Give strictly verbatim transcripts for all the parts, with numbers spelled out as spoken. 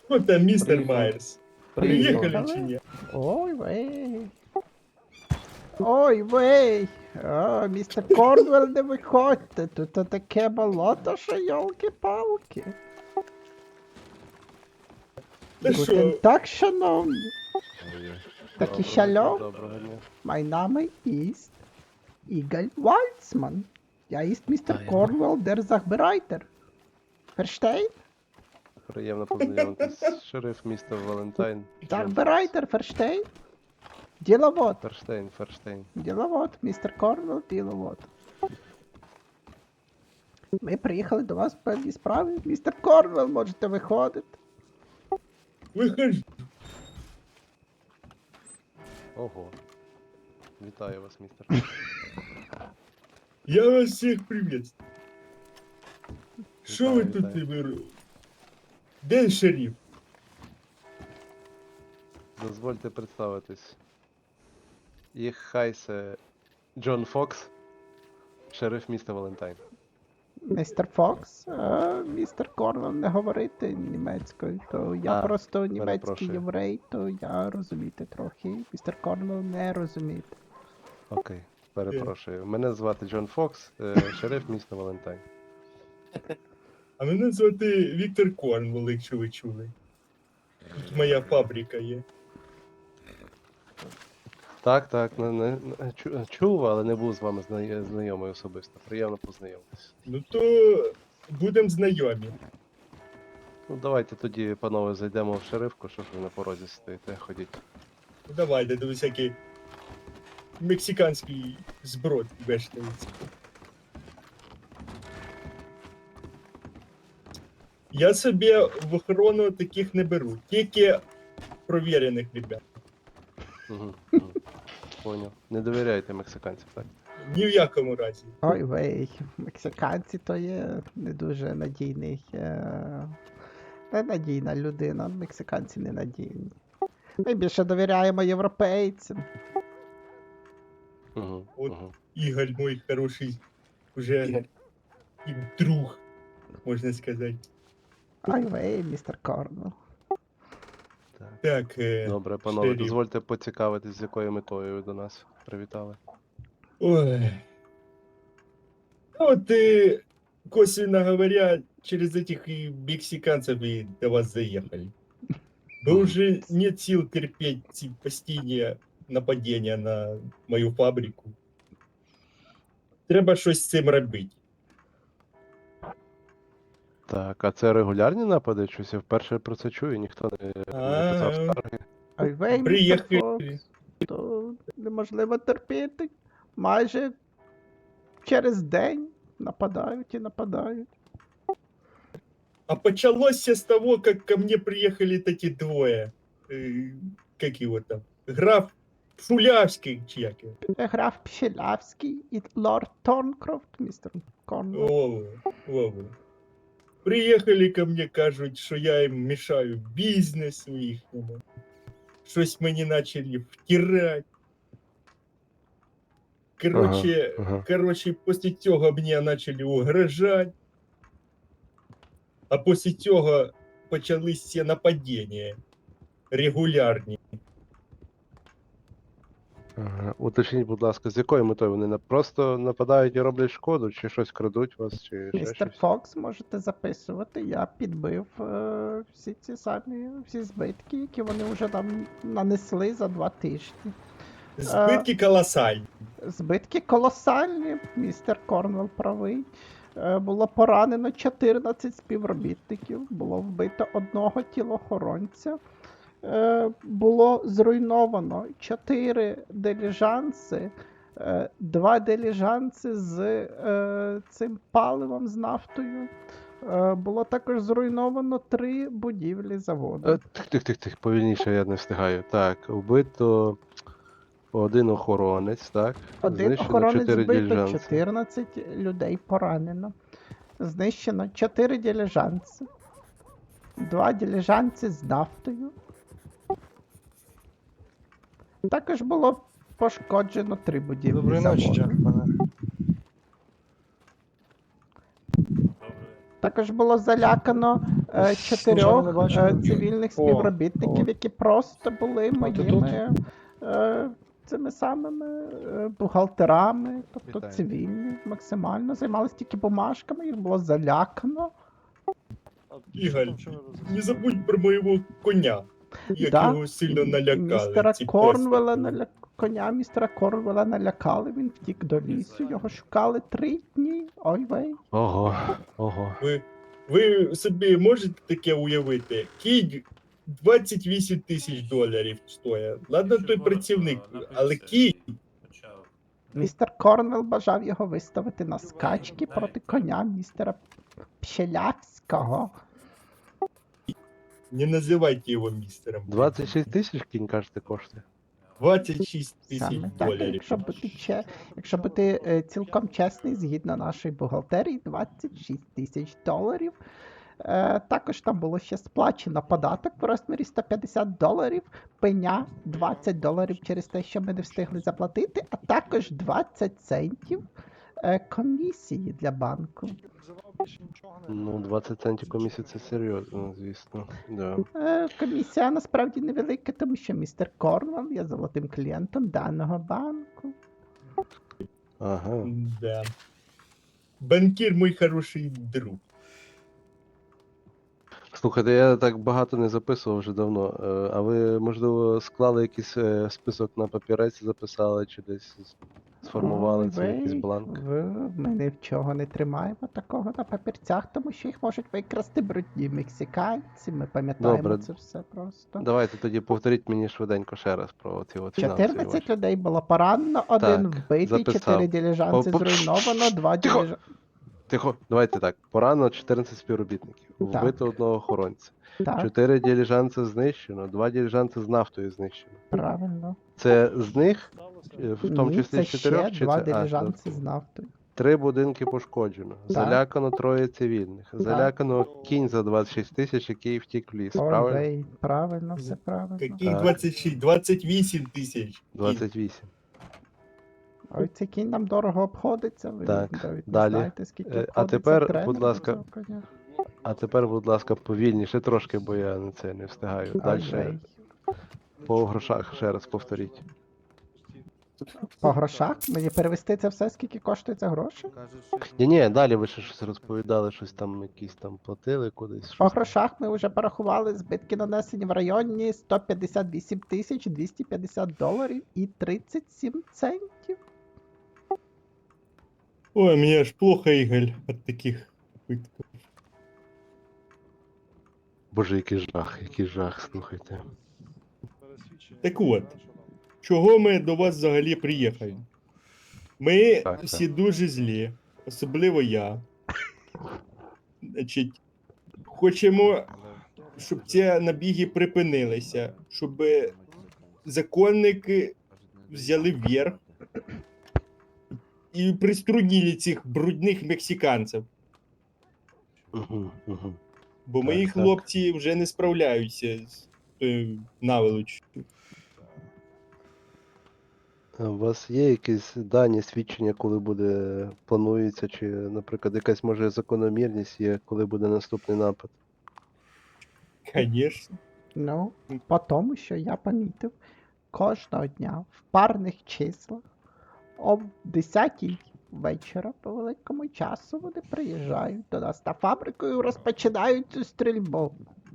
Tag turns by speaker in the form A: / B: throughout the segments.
A: О, там містер
B: Приїхали.
A: Майерс.
B: Приїхали.
A: Приїхали чи ні?
C: Ой, вей. Ой, вей. О, містер Корнвелл, не виходьте. Тут таке болото, що йолки-палки.
A: Та
C: Гутен
A: що?
C: так, шановні. Такі
B: Доброго-
C: шалом.
B: Доброго дня.
C: Mein Name ist Igor Walzmann. Я ist містер
B: А, я-
C: Корнвелл, der Sachbereiter. Versteht?
B: Приємно познайомитись. Шериф міста Валентайн.
C: Sachbereiter, versteht? Діловод.
B: Ферштейн, Ферштейн.
C: Діловод, містер Корнвелл, діловод. Ми приїхали до вас в певній справі. Містер Корнвелл, можете виходити.
A: Виходь.
B: Ого. Вітаю вас, містер.
A: Я вас всіх приветствую. Що ви
B: Вітаю,
A: тут
B: вітаю.
A: ви... Де шериф?
B: Дозвольте представитись. Їх хайсе Джон Фокс, шериф міста Валентайн.
C: Містер Фокс, е, містер Корнвелл не говорити німецькою, то я
B: А,
C: просто німецький
B: перепрошую.
C: єврей, то я розуміти трохи. Містер Корнвелл не розуміти.
B: Окей, перепрошую. Мене звати Джон Фокс, е, шериф міста Валентайн.
A: А мене звати Віктор Корнвелл, якщо ви чули. Тут моя фабрика є.
B: Так, так, не, не, не- чу- чув, але не був з вами зна- знайомий особисто. Приємно познайомитись.
A: Ну то будемо знайомі.
B: Ну, давайте тоді, панове, зайдемо в шерифку, що ж ви на порозі стоїте, ходіть.
A: Ну давайте, до всякий мексиканський зброд вештається. Я собі в охорону таких не беру, тільки провірених ребят.
B: Угу, угу. Поняв. Не довіряйте мексиканцям, так?
A: Ні в якому разі.
C: Ой вей, мексиканці то є не дуже надійний. Е... Ненадійна людина, мексиканці ненадійні. Ми більше довіряємо європейцям.
B: Угу,
A: От.
B: угу.
A: Ігор мой хороший уже і друг, можна сказати.
C: Ой вей, містер Корнвелл.
B: Так.
A: Так, е,
B: Добре, панове,
A: шериф.
B: дозвольте поцікавитись, з якою метою ви до нас привітали.
A: Ой. Ну, вот и, косвенно говоря, через этих и мексиканцев и до вас заехали. Вы уже нет сил терпеть эти постійні нападения на мою фабрику. Треба щось з цим робити.
B: Так, а це регулярні напади? Щось я вперше про це чую, ніхто не, не писав
A: А,
B: скарги.
C: Ой вей, містер
A: Приїхали.
C: Фокс. То неможливо терпіти. Майже через день нападають і нападають.
A: А почалось все с того, как ко мне приехали эти двое. Э, как его там? Граф Шулявский, чи як його?
C: Граф Пшелявський і лорд Торнкрофт, містер Корнвелл.
A: Вова, Вова. Приїхали ко мне, кажуть, що я їм мішаю бізнесу їхньому. Щось мені почали втирати. Короче,
B: Ага, ага.
A: короче, після цього мені почали угрожати. А після цього почались всі нападіння. Регулярні.
B: Ага. Уточніть, будь ласка, з якою метою вони на- просто нападають і роблять шкоду, чи щось крадуть вас, чи ще
C: Містер
B: щось?
C: Фокс, можете записувати. Я підбив е, всі ці самі всі збитки, які вони вже нам нанесли за два тижні.
A: Збитки колосальні.
C: Збитки колосальні, містер Корнвелл правий. Е, Було поранено чотирнадцять співробітників, було вбито одного тілохоронця. Е, Було зруйновано чотири диліжанси, е, два диліжанси з е, цим паливом, з нафтою. Е, Було також зруйновано три будівлі заводу.
B: Е, Тих, тих, тих, тих, повільніше я не встигаю. Так, вбито один охоронець, так?
C: Один
B: Знищено
C: охоронець
B: чотири
C: збито,
B: дiligenці.
C: чотирнадцять людей поранено. Знищено чотири диліжанси, два диліжанси з нафтою. Також було пошкоджено три будівлі
D: Доброї
C: заводу.
D: ночі, джентльмени.
C: Також було залякано е,
D: не
C: чотирьох
D: бачили?
C: е, цивільних
A: О,
C: співробітників,
D: о.
C: які просто були
D: ти
C: моїми е, цими самими е, бухгалтерами, тобто
B: Вітаю.
C: цивільні, максимально займалися тільки бумажками, їх було залякано.
A: Ігор, не забудь про моєго коня, як
C: Да,
A: його сильно
C: і- і
A: налякали.
C: Містера
A: ці
C: Корнвелла
A: пестики.
C: наля... коня містера Корнвелла налякали, він втік до лісу, його шукали три дні. Ой вей.
B: Ого, ого.
A: Ви, ви собі можете таке уявити? Кінь двадцять вісім тисяч доларів стоїть. Ладно, той працівник, але кінь.
C: Містер Корнвелл бажав його виставити на скачки проти коня містера Пщелявського.
A: Не називайте його містером.
B: двадцять шість тисяч кінь, кажете, коштує?
A: двадцять шість тисяч
C: Саме так,
A: доларів.
C: якщо бути, че... якщо бути е, цілком чесний, згідно нашої бухгалтерії, двадцять шість тисяч доларів. Е, також там було ще сплачено податок в розмірі сто п'ятдесят доларів, пеня двадцять доларів через те, що ми не встигли заплатити, а також двадцять центів е, комісії для банку.
B: Ну, двадцять центів комісії це серйозно, звісно. Да.
C: Е, комісія насправді невелика, тому що містер Корнвелл є золотим клієнтом даного банку.
B: Ага.
A: Да. Банкір мій хороший друг.
B: Слухайте, я так багато не записував вже давно. Е, А ви, можливо, склали якийсь е, список на папірець, записали чи десь з- сформували
C: Ой,
B: цей якийсь
C: ви-
B: бланк?
C: Ви, ми нічого не тримаємо такого на папірцях, тому що їх можуть викрасти брудні мексиканці. Ми пам'ятаємо
B: Добре.
C: це все просто.
B: Давайте тоді повторіть мені швиденько ще раз про ці от фінансові
C: чотирнадцять
B: ваші.
C: людей було поранено, один
B: Так,
C: вбитий,
B: записав.
C: чотири діліжанці
B: По- по-
C: зруйновано, два
B: Тихо!
C: діліжанці.
B: Тихо, давайте так. Порано чотирнадцять співробітників.
C: Так.
B: Вбито одного охоронця.
C: Так,
B: Чотири діліжанці знищено, два діліжанці з нафтою знищено.
C: правильно.
B: Це з них, е, в тому
C: Ні,
B: числі
C: це
B: з чотирьох,
C: ще
B: чи
C: два
B: це а,
C: диліжанці
B: додатково?
C: з нафтою.
B: Три будинки пошкоджено. Залякано троє цивільних. Залякано кінь за двадцять шість тисяч, який втік в ліс.
C: Ой,
B: Правильно?
C: вей, правильно, все правильно.
A: Які
B: Так.
A: двадцять шість? двадцять вісім тисяч.
B: двадцять вісім.
C: Ой, цей кінь нам дорого обходиться, ви
B: Так,
C: навіть не
B: далі.
C: знаєте, скільки
B: Е, а
C: обходиться
B: тепер,
C: тренер
B: будь ласка,
C: цього коня.
B: А тепер, будь ласка, повільніше трошки, бо я на це не встигаю.
C: Ой,
B: Далі
C: вей.
B: по грошах ще раз повторіть.
C: По грошах? Мені перевести це все, скільки коштує це гроші?
B: Ні, ні, далі ви ще щось розповідали, щось там якісь там платили кудись.
C: По
B: щось там.
C: грошах ми вже порахували збитки нанесені в районі сто п'ятдесят вісім тисяч двісті п'ятдесят доларів і тридцять сім центів.
A: Ой, мені аж плохо, Ігор, від таких випадків.
B: Боже, який жах, який жах, слухайте.
A: Так от, чого ми до вас взагалі приїхали? Ми
B: Так,
A: всі дуже злі, особливо я. Значить, хочемо, щоб ці набіги припинилися, щоб законники взяли вверх і приструнили цих брудних мексиканців.
B: Угу, угу.
A: Бо
B: Так,
A: мої
B: так.
A: хлопці вже не справляються з тою наволочю.
B: У вас є якісь дані, свідчення, коли буде планується, чи, наприклад, якась може закономірність є, коли буде наступний напад?
A: Звісно.
C: Ну, по тому, що я помітив, кожного дня в парних числах о десятій вечора по великому часу вони приїжджають до нас на фабрику і розпочинають цю стрільбу.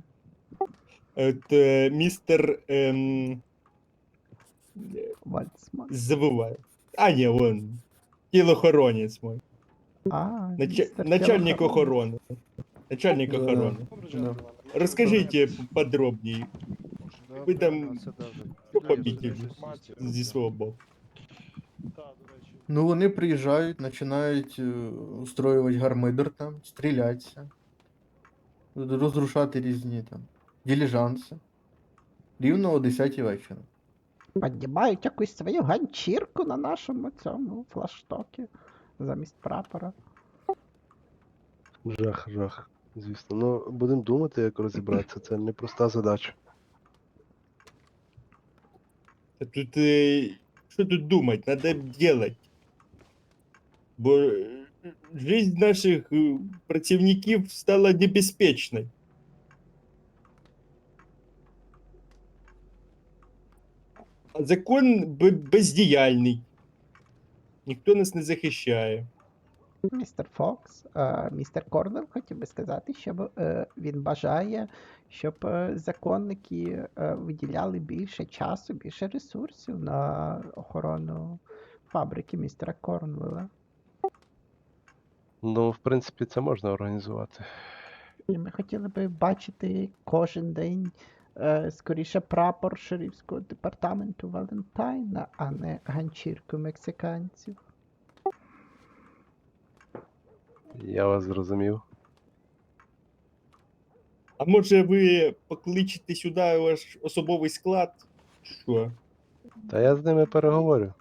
A: От е, містер ем,
C: Вальцман.
A: забуваю. А, ні, вон. Тілохоронець мой.
C: А,
A: Нач...
C: містер
A: Начальник
C: Тілохоронець.
A: охорони. Начальник охорони. Розкажіть подробніше. Ви там що побітили зі свого боку.
D: Ну, вони приїжджають, починають е, устроювати гармидер там, стрілятися, розрушати різні там діліжанси. Рівно о десятій вечора.
C: Піднімають якусь свою ганчірку на нашому цьому флаштокі замість прапора.
B: Жах, жах, звісно. Ну, будемо думати, як розібратися. Це непроста задача.
A: А тут, е, що тут думати? Надо делать. Бо е, жизнь наших е, працівників стала небезпечною. А закон б- бездіяльний. Ніхто нас не захищає.
C: Містер Фокс, е, містер Корнел хотів би сказати, що е, він бажає, щоб е, законники е, виділяли більше часу, більше ресурсів на охорону фабрики містера Корнвелла.
B: Ну, в принципі, це можна організувати.
C: І ми хотіли би бачити кожен день е, скоріше прапор шерифського департаменту Валентайна, а не ганчірку мексиканців.
B: Я вас зрозумів.
A: А може ви покличете сюди ваш особовий склад? Що?
B: Та я з ними переговорю.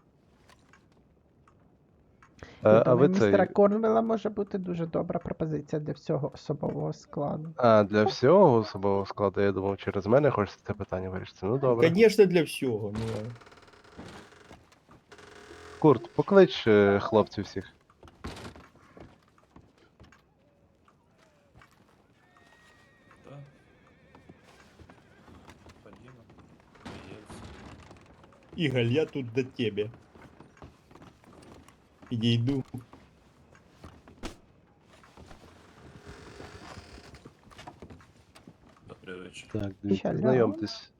C: Я
B: А, а
C: думаю,
B: ви
C: містера
B: це.
C: Корнвелла може бути дуже добра пропозиція для всього особового складу.
B: А, для всього особового складу, я думав, через мене хочеться це питання вирішити. Ну добре.
A: Звісно, для всього. Ну.
B: Курт, поклич е, хлопців всіх.
E: Да. Подъема. Приедется.
A: Ігор, я тут до тебе. Підійду.
E: Добрый вечер.
B: Так, дивіться,
C: Шалом.
B: знайомтесь.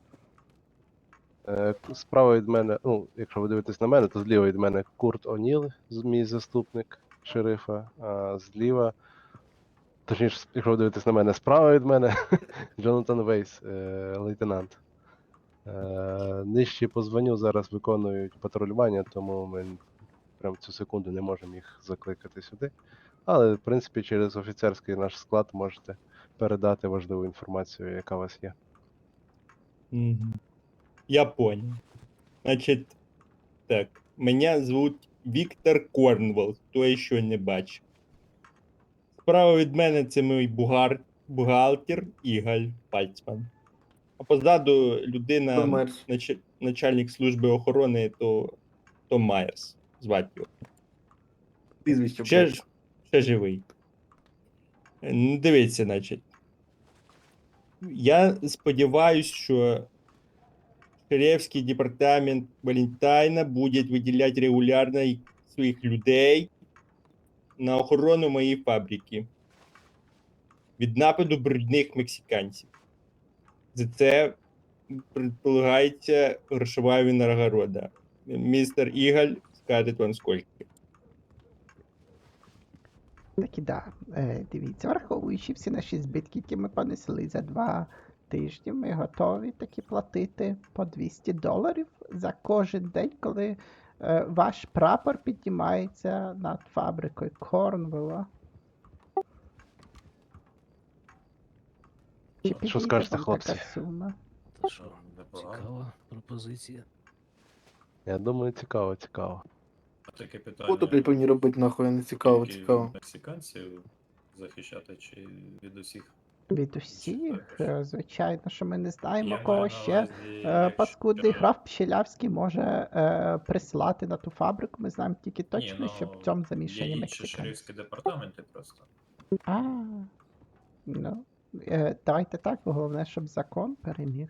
B: Е, к- Справа від мене, ну, якщо ви дивитесь на мене, то зліва від мене Курт О'Ніл, з- мій заступник шерифа, а зліва, точніше, якщо ви дивитесь на мене, справа від мене Джонатан Вейс, е, лейтенант. Е, Нижчі по званню зараз виконують патрулювання, тому ми прямо цю секунду не можемо їх закликати сюди. Але, в принципі, через офіцерський наш склад можете передати важливу інформацію, яка у вас є.
A: Мгм. Я понял. Значить, так, мене звуть Віктор Корнвелл, хто ще не бачив. Справа від мене це мій бугар, бухгалтер Ігор Пальцман. А позаду людина,
D: Том Майерс.
A: нач- начальник служби охорони, то Том Майерс. Звати його.
D: Прізвище.
A: Ще, ж- ще живий. Е, Ну, дивіться, значить. Я сподіваюся, що Шерифський департамент Валентайна буде виділяти регулярно своїх людей на охорону моєї фабрики від нападу брудних мексиканців. За це предполагається грошова винагорода. Містер Ігаль скаже вам скільки.
C: Так і да. Е, дивіться, враховуючи всі наші збитки, які ми понесли за два тижні, ми готові таки платити по двісті доларів за кожен день, коли е, ваш прапор піднімається над фабрикою Корнвелла. Чи
B: Що
C: підійде
B: скажете,
C: вам
B: хлопці?
C: така сума?
E: Та що, непогано.
F: Цікава пропозиція.
B: Я думаю, цікаво, цікаво.
E: А таке питання.
D: Буду блядь, повинні робити нахуй, не цікаво,
E: тільки
D: цікаво.
E: від мексиканців захищати чи від усіх?
C: Від усіх, е, звичайно, що ми не знаємо,
E: Я
C: кого
E: маю на
C: ще
E: увазі,
C: е,
E: якщо-
C: паскудний граф Пщелявський може е, прислати на ту фабрику. Ми знаємо тільки точно,
E: Ні,
C: що в
E: ну,
C: цьому замішані
E: Є інші
C: мексиканці.
E: шерифські департаменти просто.
C: А, ну, е, давайте так, бо головне, щоб закон переміг.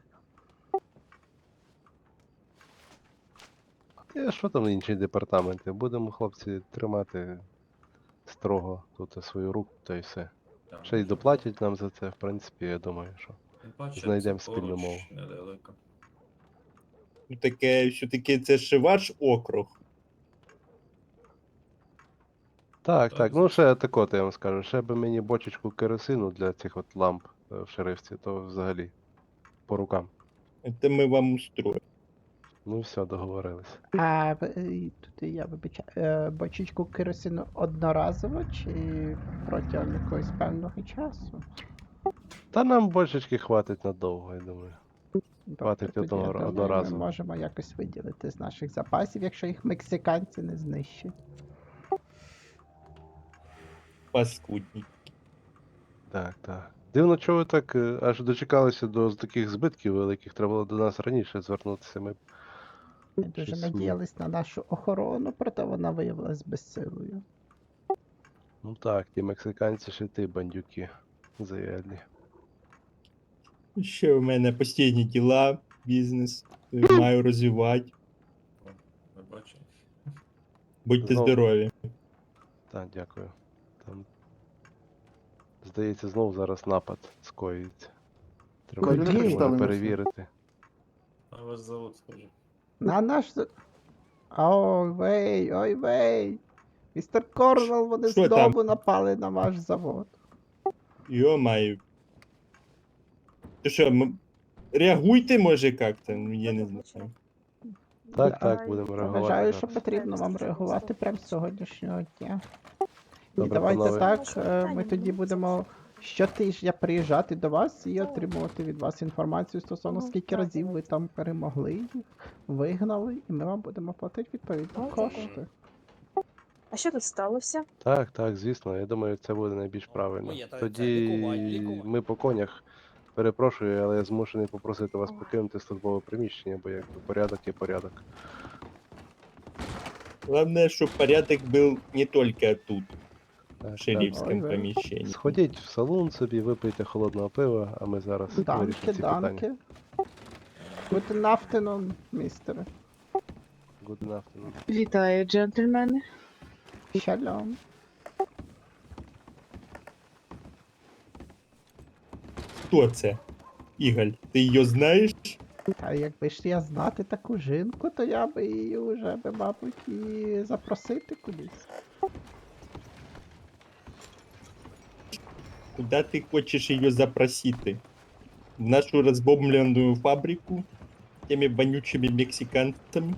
B: І що там інші департаменти? Будемо, хлопці, тримати строго тут свою руку, та й все.
E: Там,
B: Ще й доплатять нам за це, в принципі, я думаю, що.
E: тим паче,
B: знайдемо
E: це
B: спільну
E: поруч,
B: мову.
E: Недалеко.
A: Ну, таке, все-таки це ж ваш округ.
B: Так,
E: Так,
B: так, ну
E: звісно.
B: ще тако, я вам скажу. Ще би мені бочечку керосину для цих от ламп е, в шерифці, то взагалі по рукам.
A: Це ми вам устроїмо.
B: Ну все, договорились.
C: А в- е, тут я вибачаю, е, бочечку керосину одноразово чи протягом якогось певного часу?
B: Та нам бочечки хватить надовго, я думаю.
C: Добре,
B: Хватить
C: тоді,
B: одного-
C: я думаю,
B: одноразово.
C: ми можемо якось виділити з наших запасів, якщо їх мексиканці не знищать.
A: Паскудні.
B: Так, так. Дивно, чого ви так е, аж дочекалися до з таких збитків великих, треба було до нас раніше звернутися. Ми б
C: Ми дуже
B: щось
C: надіялись на нашу охорону, проте вона виявилась безсилою.
B: Ну так, ті мексиканці ще ти, бандюки. Заядлі.
A: Ще в мене постійні діла, бізнес. Маю розвивати.
E: О, ми бачимо.
A: Будьте
B: Знов.
A: здорові.
B: Так, дякую. Там. Здається, знов зараз напад скоїться. Треба
C: Куди?
B: буде
D: Представимося.
B: перевірити.
E: А ваш завод, скажи.
C: На наш. з- Ой вей, ой вей. Містер Корнел, вони
A: Що
C: знову
A: там?
C: напали на ваш завод.
A: Йо-маю. Ти що, м- реагуйте, може, як-то? Ну, я не знаю.
B: Так, так,
F: Ай,
B: будемо
C: Я
B: реагувати.
C: вважаю, що
B: зараз.
C: потрібно вам реагувати прямо з сьогоднішнього дня. І
B: Добре,
C: давайте
B: панове.
C: так, е, ми тоді будемо щотижня приїжджати до вас і отримувати від вас інформацію стосовно
F: Ага,
C: скільки
F: так,
C: разів ви
F: давайте.
C: там перемогли їх, вигнали, і ми вам будемо платити відповідно
F: Окей.
C: кошти.
F: А що тут сталося?
B: Так, так, звісно, я думаю, це буде найбільш правильно.
G: Ой, це- це
B: Тоді
G: лікувань, лікувань.
B: ми по конях. Перепрошую, але я змушений попросити вас покинути службове приміщення, бо якби порядок є порядок.
A: Главное, чтобы порядок был не только тут,
B: Так,
A: в шерифском
C: Ой, да.
A: помещении.
B: Сходіть в салон собі, випийте холодного пива, а ми зараз
C: Данки,
B: вирішимо ці питання.
C: данки. Guten Afternoon, містере.
B: Good afternoon.
H: Вітаю, джентльмени.
C: Шалом.
A: Хто це? Ігаль, ти її знаєш?
C: Та якби ж я знати таку жінку, то я би її вже би, мабуть, і запросити кудись.
A: Куди ти хочеш її запросити? В нашу розбомблену фабрику? Тими вонючими мексиканцями?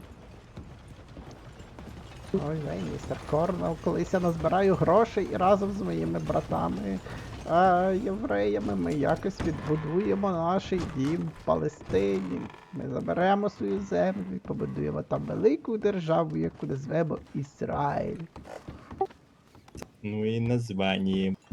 C: Ой, вей, містер Корнел, колись я назбираю грошей і разом з моїми братами, а, євреями, ми якось відбудуємо наш дім в Палестині. Ми заберемо свою землю і побудуємо там велику державу, яку назвемо Ізраїль.
A: Ну і названня.